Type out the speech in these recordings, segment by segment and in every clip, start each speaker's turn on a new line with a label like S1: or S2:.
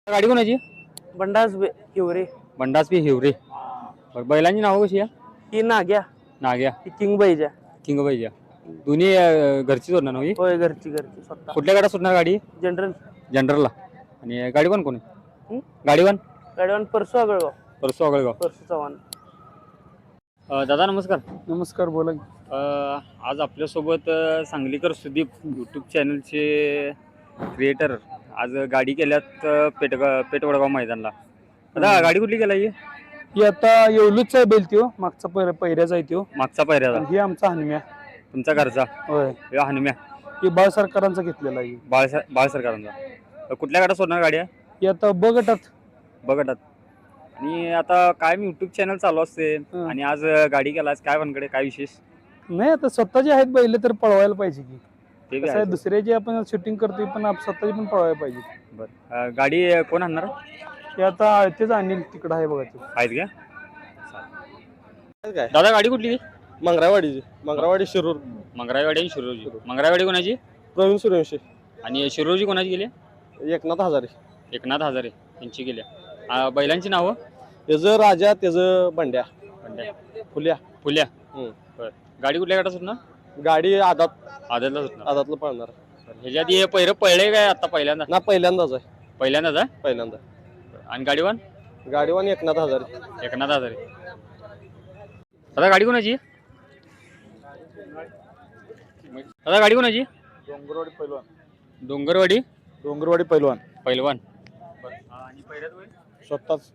S1: गाडी कोणाची?
S2: बंडास हिवरे.
S1: बंडास बी हिवरे. बरं, बैलांची नावं कशी आहे?
S2: ही नाग्या,
S1: नाग्या,
S2: ही किंग बाईजा.
S1: किंगबाईच्या. दोन्ही घरचीच होणार ना ही?
S2: होय, घरची स्वतः.
S1: कुठल्या गाड्या सुटणार गाडी?
S2: जनरल.
S1: जनरलला. आणि गाडीवान कोण आहे? गाडीवान
S2: गाडीवान परसू आगळगाव.
S1: परसू आगळगाव.
S2: परसू चव्हाण.
S1: दादा नमस्कार.
S2: नमस्कार, बोला.
S1: आज आपल्यासोबत सांगलीकर सुदीप यूट्यूब चॅनलचे क्रिएटर आज गाडी केल्यात पेटवडगाव मैदानला. दादा गाडी कुठली केला
S2: ही आता येवलूच आहे बैल त्यो, मागचा पहिऱ्याचा आहे त्यो.
S1: मागचा पायऱ्याला?
S2: ही आमचा हनुम्या.
S1: तुमचा घरचा?
S2: होय.
S1: हे हनुम्या.
S2: ही बाळ सरकारांचा घेतलेला आहे.
S1: बाळ सरकारांचा. कुठल्या गाड्या सोडणार गाड्या?
S2: ही आता बगटात.
S1: बघतात. आणि आता काय मी युट्यूब चॅनल चालू असते आणि आज गाडी केला, काय वनकडे काय विशेष
S2: नाही, आता स्वतःचे आहेत बैल तर पळवायला पाहिजे की.
S1: ते
S2: कसं आहे, दुसऱ्याची आपण शूटिंग करतोय पण स्वतःची पण पळवायला पाहिजे.
S1: बरं, गाडी कोण आणणार?
S2: ते आता तेच आणील तिकडं आहे बघा ते.
S1: आहेत का? दादा गाडी कुठली?
S2: मंगरावाडीची. मंगरावाडी शिरूर.
S1: मंगरावाडी आणि शिरोजी. मंगरावाडी कोणाची?
S2: प्रवीण सूर्यवंशी.
S1: आणि शिरोजी कोणाची गेली?
S2: एकनाथ हजारे.
S1: एकनाथ हजारे यांची गेल्या. बैलांची नावं?
S2: त्याचं राजा, त्याचं बंड्या. फुल्या.
S1: फुल्या. बरं, गाडी कुठल्या गाडा सुटणार?
S2: गाडी
S1: आदतला सुटणार.
S2: आदातला पळणार.
S1: ह्याच्या आधी पहिरं पळले काय आता पहिल्यांदा?
S2: ना, पहिल्यांदाच आहे.
S1: पहिल्यांदाच आहे?
S2: पहिल्यांदा.
S1: आणि गाडीवान?
S2: गाडीवान एकनाथ हजारे.
S1: एकनाथ हजारे. दादा गाडी कोणाची? दादा गाडी कोणाची?
S2: डोंगरवाडी पैलवान.
S1: डोंगरवाडी.
S2: डोंगरवाडी पैलवान.
S1: पैलवान. आणि पहिल्यात बैल
S2: स्वतःच.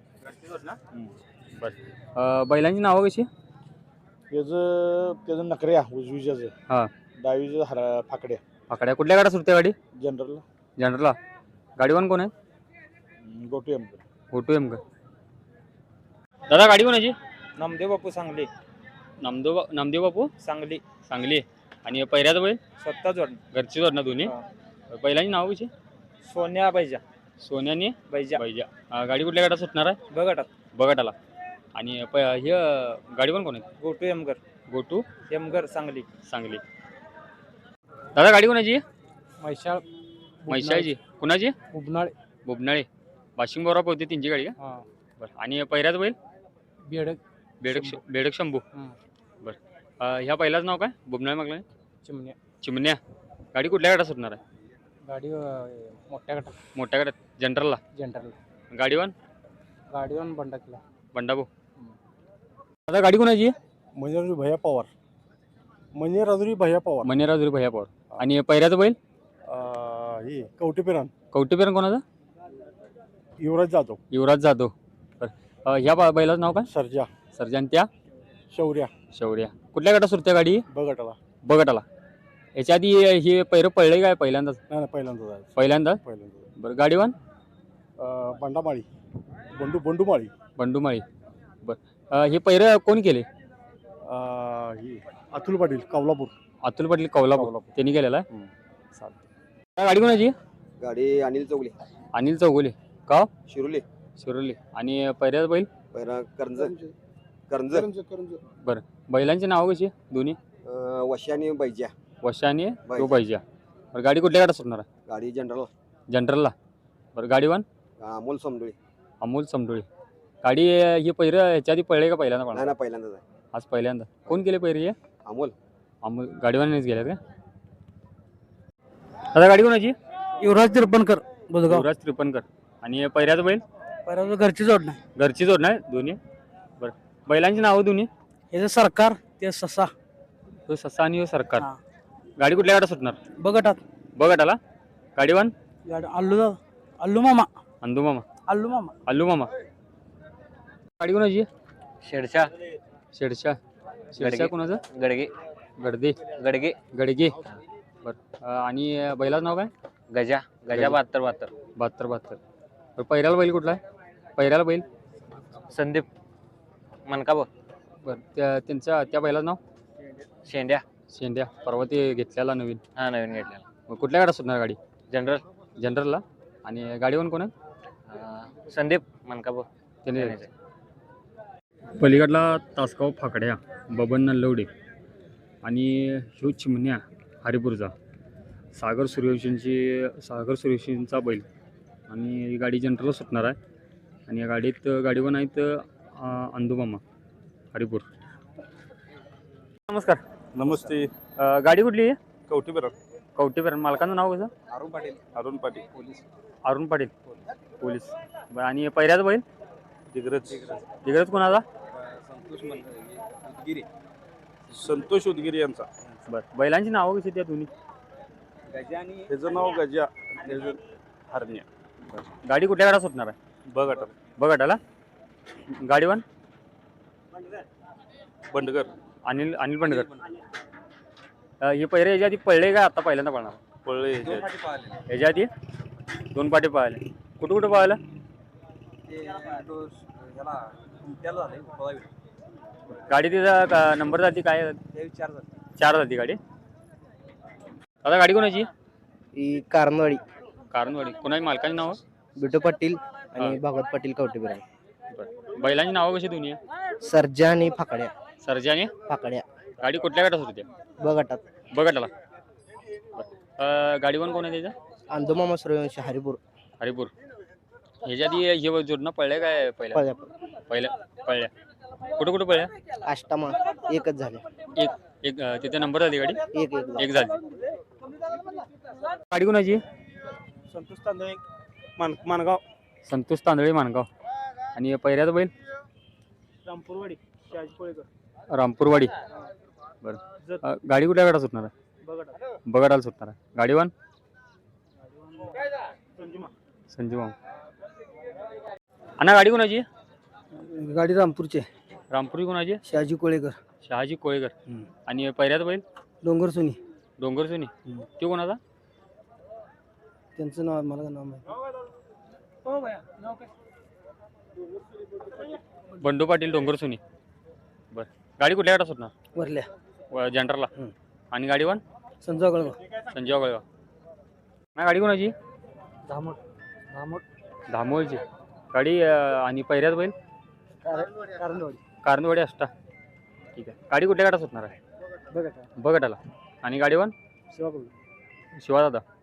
S1: बरं, बैलांची नावं कशी?
S2: त्याचं नकऱ्या उजवीच्याच.
S1: हा.
S2: डावीचं फाकड्या.
S1: फाकड्या. कुठल्या गाड्या सुटते गाडी?
S2: जनरल.
S1: जनरलला. गाडीवान कोण आहे?
S2: गोटू एम.
S1: गोटू एम का? दादा गाडी कोणाची?
S2: नामदेव बापू सांगली.
S1: नामदेव बापू
S2: सांगली.
S1: सांगली. आणि पहिल्यात बैल?
S2: स्वतः जोड.
S1: घरची जोड ना दोन्ही? बैलांची नावं कशी?
S2: सोन्या बाईजा.
S1: सोन्याने
S2: बाईजा.
S1: बैजा. गाडी कुठल्या गाड्या सुटणार आहे?
S2: बघटात.
S1: बघटाला. आणि हे गाडीवान कोण आहे?
S2: गोटू एमगर.
S1: गोटू
S2: एमगर सांगली.
S1: सांगली. दादा गाडी कोणाची?
S2: म्हैसाळची.
S1: कुणाची?
S2: उबनाळे.
S1: बुबनाळे. वाशिंग बोरा पोहते त्यांची गाडी का? बरं. आणि पहिल्यात बैल? बेडक शंभू. बरं, ह्या पहिलाच नाव काय? बुबनाळे मागला? चिमण्या. गाडी कुठल्या गाड्या सुटणार आहे?
S2: गाडी
S1: मोठ्या गाड्यात. जनरलला. गाडीवान? बंडाभाऊ. दादा गाडी कोणाची?
S2: मनेराजुरी भैया पवार. मनेराजुरी भैया
S1: पवार. आणि पहिल्याचं बैल?
S2: ही कवटेपेरान.
S1: कवटेपेरण कोणाचा?
S2: युवराज
S1: जाधव. बरं, ह्या बैलाचं नाव काय? सर्जा. आणि त्या? शौर्या. कुठल्या गाड्या सुटत्या गाडी? बघटाला. याच्या आधी हे पहिरं पळले काय पहिल्यांदाच? पहिल्यांदाच. बरं, गाडीवान?
S2: बंडूमाळी.
S1: बंडूमाळी. बरं, हे पहिरं कोण केले?
S2: अतुल पाटील कौलापूर.
S1: त्यांनी केलेला आहे. गाडी कोणाची?
S3: गाडी
S1: अनिल चौगुले. का? शिरोली. आणि पहिल्याच बैल?
S3: करंज.
S1: बरं, बैलांची नावं कशी दोन्ही?
S3: वशी आणि बैजा.
S1: वशा आणि तो बैजा. बरं, गाडी कुठल्या गाड्या सुटणार आहे?
S3: गाडी
S1: जनरलला. बरं, गाडीवान? अमोल समडोळे. गाडी ही पहिरं ह्याच्या आधी पळले का पहिल्यांदा?
S3: पहिल्यांदाच आहे.
S1: आज पहिल्यांदा. कोण केले पहिरे?
S3: अमोल.
S1: गाडीवानीच गेल्यात का? आता गाडी कोणाची?
S2: युवराज त्रिपणकर.
S1: युवराज त्रिपणकर. आणि पहिल्याचं बैल?
S2: घरची जोड नाही.
S1: घरची जोड नाही दोन्ही. बरं, बैलांची नावं दोन्ही?
S2: हे सरकार, ते ससा.
S1: तो ससा आणि सरकार. गाडी कुठल्या गाड्या सुटणार?
S2: बघटाला.
S1: गाडीवान?
S2: अल्लू मामा.
S1: गाडी कोणाची?
S3: शेडशा.
S1: शेडशा कोणाचं? गडगे. बरं, आणि बैलाचं नाव काय?
S3: गजा.
S1: 72. बरं, पहिल्याला बैल कुठला आहे? पहिल्याला बैल?
S3: संदीप मनकाब.
S1: बरं, त्या बैलाचं नाव? शेंड्या. परवा ते घेतलेला नवीन
S3: घेतलेला.
S1: मग कुठल्या गाड्या सुटणार गाडी? जनरलला. आणि गाडीवान कोण आहे?
S3: संदीप मनकाब.
S1: त्याने. पलीकडला तासगाव फाकड्या बबन नल्लवडे आणि ह्यो चिमण्या हरिपूरचा. सागर सूर्यवंशींचा बैल आणि ही गाडी जनरल सुटणार आहे. आणि या गाडीत गाडीवर आहेत अंदुमामा हरिपूर. नमस्कार.
S4: नमस्ते.
S1: गाडी कुठली आहे?
S4: कवठीबेरा.
S1: कवठेपेरण. मालकाचं नाव कसं?
S4: अरुण पाटील. अरुण पाटील पोलीस.
S1: अरुण पाटील पोलीस. बरं, आणि पहिल्याच बैल दिग्रज कोणाचा?
S4: संतोष उदगिरी यांचा.
S1: बरं, बैलांची नावं कशी त्या दोन्ही?
S4: त्याचं नाव गजा, त्याचं हरण्या.
S1: गाडी कुठल्या गाडा सुटणार आहे? बघाटाला. गाडीवान
S4: बंडगर.
S1: अनिल बंडकर. हे पहिरे याच्या आधी पळले का आता पहिल्यांदा पळणार?
S4: पळले.
S1: याच्या आधी 2 पाटे पळाले. कुठं पळायला? गाडी तिचा नंबर जाती काय? 4 जाती गाडी. आता गाडी कोणाची?
S5: कारणवाडी.
S1: कोणाची? मालकाची नाव?
S5: बिटू पाटील आणि भागवत पाटील कवठेपेरा.
S1: बैलांची नावं कशी दोन्ही?
S5: सर्जा आणि फाकड्या.
S1: सर्जा आणि
S5: फाकड्या.
S1: गाडी कुठल्या गटात होती? बघटाला. गाडीवान कोण आहे त्याचं?
S5: अंदोमामा सूर्यवंशी हरिपूर.
S1: ह्याच्या आधी हे जोडणं पळले काय? पहिल्या पळल्या. कुठं पळल्या?
S5: अष्टमा एकच झाले.
S1: एक तिथे नंबर झाली गाडी. एक झाली. गाडी कोणाची?
S4: संतोष तांदळे मानगाव.
S1: संतोष तांदळे मानगाव. आणि पहिल्याचं बैल?
S4: रामपूरवाडी शहाजी कोळेकर.
S1: रामपूरवाडी. बरं, गाडी कुठल्या गाडा सुटणार आहे? बघाटाला सुटणार आहे. गाडीवान? संजीवा. अण्णा गाडी कोणाची?
S5: गाडी रामपूरचे.
S1: रामपुरी कोणाची?
S5: शहाजी कोळेकर.
S1: आणि पहिल्याचं बैल?
S5: डोंगर सोनी.
S1: तो कोणाचा?
S5: त्यांचं नाव मला नाव
S1: बंडू पाटील डोंगरसुनी. बरं, गाडी कुठल्या गाडा सुटणार?
S5: वरल्या
S1: जनरलला. आणि गाडीवान?
S5: संजय गळगाव.
S1: नाही, गाडी कोणाची? धामोळची गाडी. आणि पहिल्याच बैल? कारंदवाडी अष्टा. ठीक आहे. गाडी कुठल्या गाडा सुटणार आहे? बघटाला. आणि गाडीवान? शिवादादा.